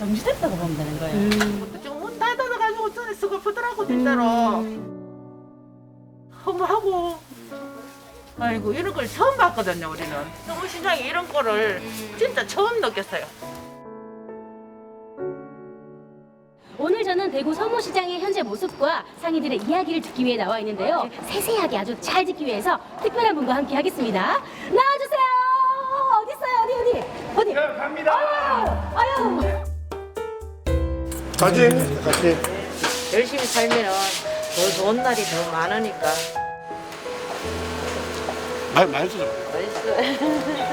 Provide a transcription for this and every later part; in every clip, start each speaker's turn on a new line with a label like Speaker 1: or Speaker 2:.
Speaker 1: 정지됐다고 보면 되는 거예요.
Speaker 2: 지금 문 닫아가지고 전에 서글프더라고 진짜로. 허무하고. 아이고 이런 걸 처음 봤거든요 우리는. 서울시장에 이런 거를 진짜 처음 느꼈어요.
Speaker 3: 오늘 저는 대구 서무시장의 현재 모습과 상인들의 이야기를 듣기 위해 나와 있는데요. 세세하게 아주 잘 듣기 위해서 특별한 분과 함께 하겠습니다. 나와주세요. 어디 있어요? 어디?
Speaker 4: 네, 갑니다.
Speaker 3: 아유.
Speaker 4: 같이.
Speaker 2: 열심히 살면 더 좋은 날이 더 많으니까.
Speaker 4: 맛있어.
Speaker 2: 맛있어.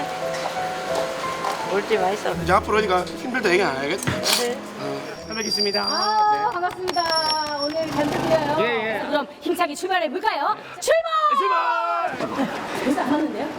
Speaker 2: 물지 맛있어.
Speaker 4: 이제 앞으로 니까 힘들다 얘기 안 해야겠다.
Speaker 2: 네.
Speaker 4: 잘 뵙겠습니다.
Speaker 3: 반갑습니다. 오늘 잘 부탁드려요.
Speaker 4: 예.
Speaker 3: 그럼 힘차게 출발해 볼까요? 출발!
Speaker 4: 출발!
Speaker 3: 인사 안 하는데요?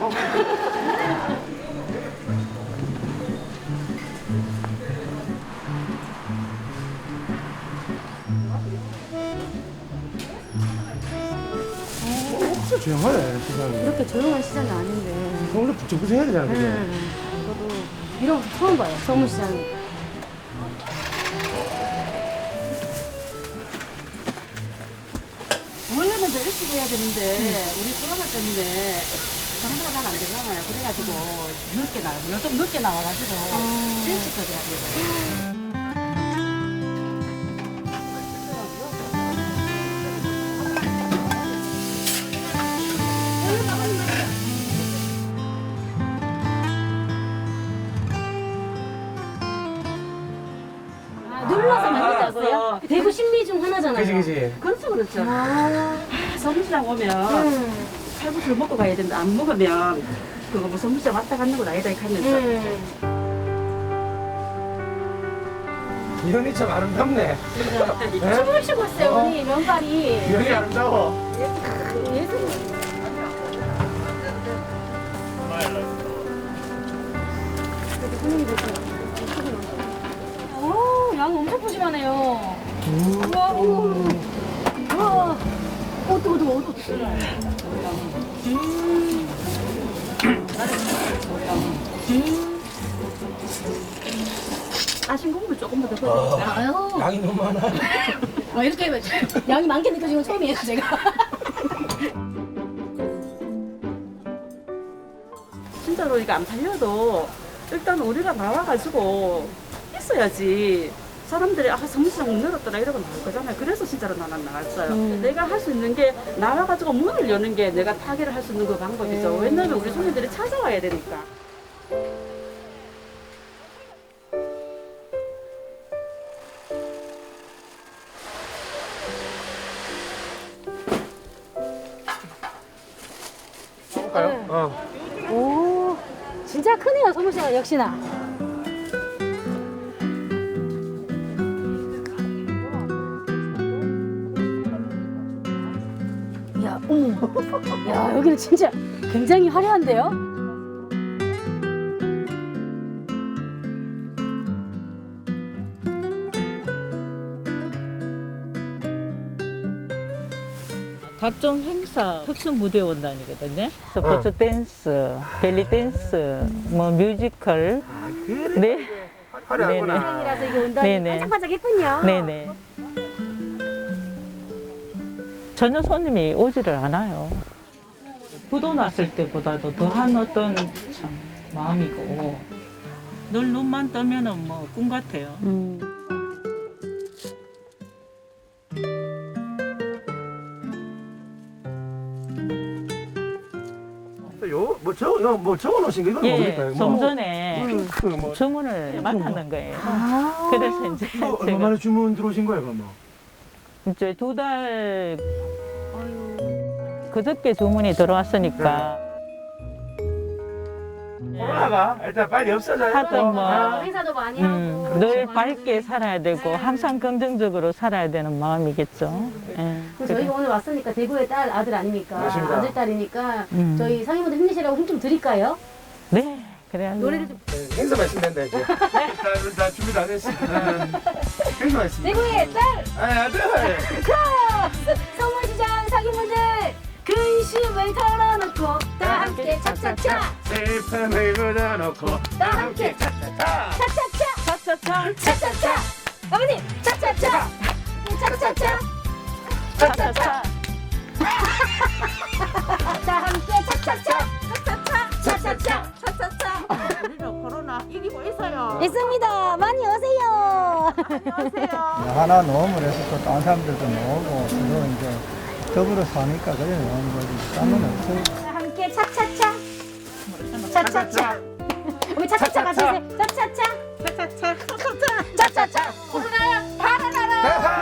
Speaker 4: 진짜 조용하네, 세상에.
Speaker 3: 이렇게 조용한 시장이 아닌데.
Speaker 4: 원래 북적북적해야 되잖아, 그죠?
Speaker 3: 저도 이런 거 처음 봐요. 서무시장.
Speaker 1: 원래는 더 일찍 해야 되는데 우리 코로나 때문에 장사가 잘 안 되잖아요. 그래가지고 늦게 나와요. 좀 늦게 나와가지고 일찍 거래야 돼요.
Speaker 3: 눌러서 만든다고요? 대구 신미 중 하나잖아요.
Speaker 4: 그지.
Speaker 1: 그렇죠, 그렇죠. 서울시장 오면 칼국수를 먹고 가야 된다. 안 먹으면 그거 뭐 서울시장 왔다 갔는 건 아니다 이렇게 하면서.
Speaker 4: 이현이 참 아름답네.
Speaker 3: 춤을 추고 있어요, 우리 면발이.
Speaker 4: 이현이 아름다워.
Speaker 3: 예술이. 오, 양 엄청 푸짐하네요. 우와, 우와. 뜨거워.
Speaker 1: 아신 국물 조금만 더 넣어요.
Speaker 3: 아유,
Speaker 4: 양이 너무 많아.
Speaker 3: 이렇게 양이 많게 느껴지는 건 처음이에요, 제가.
Speaker 1: 진짜로 이거 안 팔려도 일단 우리가 나와가지고 있어야지 사람들이 서울시장 문 열었더라 이러고 나올 거잖아요. 그래서 진짜로 나는 나왔어요. 내가 할 수 있는 게 나와가지고 문을 여는 게 내가 타개를 할 수 있는 그 방법이죠. 왜냐면 우리 손님들이 찾아와야 되니까.
Speaker 4: 볼까요?
Speaker 3: 오, 진짜 크네요, 서무시장 역시나. 야, 어머. 야, 여기는 진짜 굉장히 화려한데요?
Speaker 5: 각종 행사 특수 무대 원단이거든요. 스포츠 댄스, 벨리 댄스, 뭐 뮤지컬. 네.
Speaker 4: 화려하구나.
Speaker 3: 이라서 이게 온단이
Speaker 5: 네네.
Speaker 3: 반짝반짝했군요.
Speaker 5: 네네. 전혀 손님이 오지를 않아요. 부도 났을 때보다도 더한 어떤 참 마음이고 늘 눈만 뜨면은 뭐 꿈 같아요.
Speaker 4: 뭐 적어 놓으신 거 이건 뭡니까?
Speaker 5: 예, 좀 전에
Speaker 4: 핑크 뭐.
Speaker 5: 주문을 맡았는 거예요.
Speaker 3: 아.
Speaker 5: 그래서 이제
Speaker 4: 얼마
Speaker 5: 제가
Speaker 4: 만에 주문 들어오신 거예요, 그럼 뭐?
Speaker 5: 이제 2달 그저께 주문이 들어왔으니까
Speaker 4: 코로나가 일단 빨리 없어져야
Speaker 5: 하여튼 뭐
Speaker 3: 행사도 많이 하고.
Speaker 5: 늘 밝게 살아야 되고 항상 긍정적으로 살아야 되는 마음이겠죠. 예.
Speaker 3: 그럼 저희가 오늘 왔으니까 대구의 딸 아들 아닙니까?
Speaker 4: 맞습니다.
Speaker 3: 아들 딸이니까
Speaker 5: 저희
Speaker 3: 상인분들 힘내시라고 힘 좀 드릴까요?
Speaker 5: 네, 그래야죠.
Speaker 3: 노래를 좀.
Speaker 4: 행사 말씀된다 이제. 다 준비 다 됐어. 행사 말씀.
Speaker 3: 대구의 딸
Speaker 4: 아들.
Speaker 3: 서울시장 상인분들 근심을 털어놓고 다 함께 차차차
Speaker 4: 슬픔을 묻어놓고
Speaker 3: 다 함께
Speaker 4: 차차차.
Speaker 3: 차차차
Speaker 5: 차차차
Speaker 3: 차차차. 어머님, 차차차. 차차차.
Speaker 5: 차차차
Speaker 3: 자, 함께 차차차. 차차차.
Speaker 2: 우리는 코로나 이기고 있어요.
Speaker 3: 있습니다. 많이 오세요.
Speaker 2: 안녕하세요.
Speaker 6: 하나 놓으면 해서 또 다른 사람들도 놓고 서로 이제 더불어 사니까 그래 놓은 거지. 딴건 없어요.
Speaker 3: 자, 함께 차차차. 차차차. 우리 차차차 같이 해주세요. 차차차. 차차차. 차차차. 차차차. 달아나라.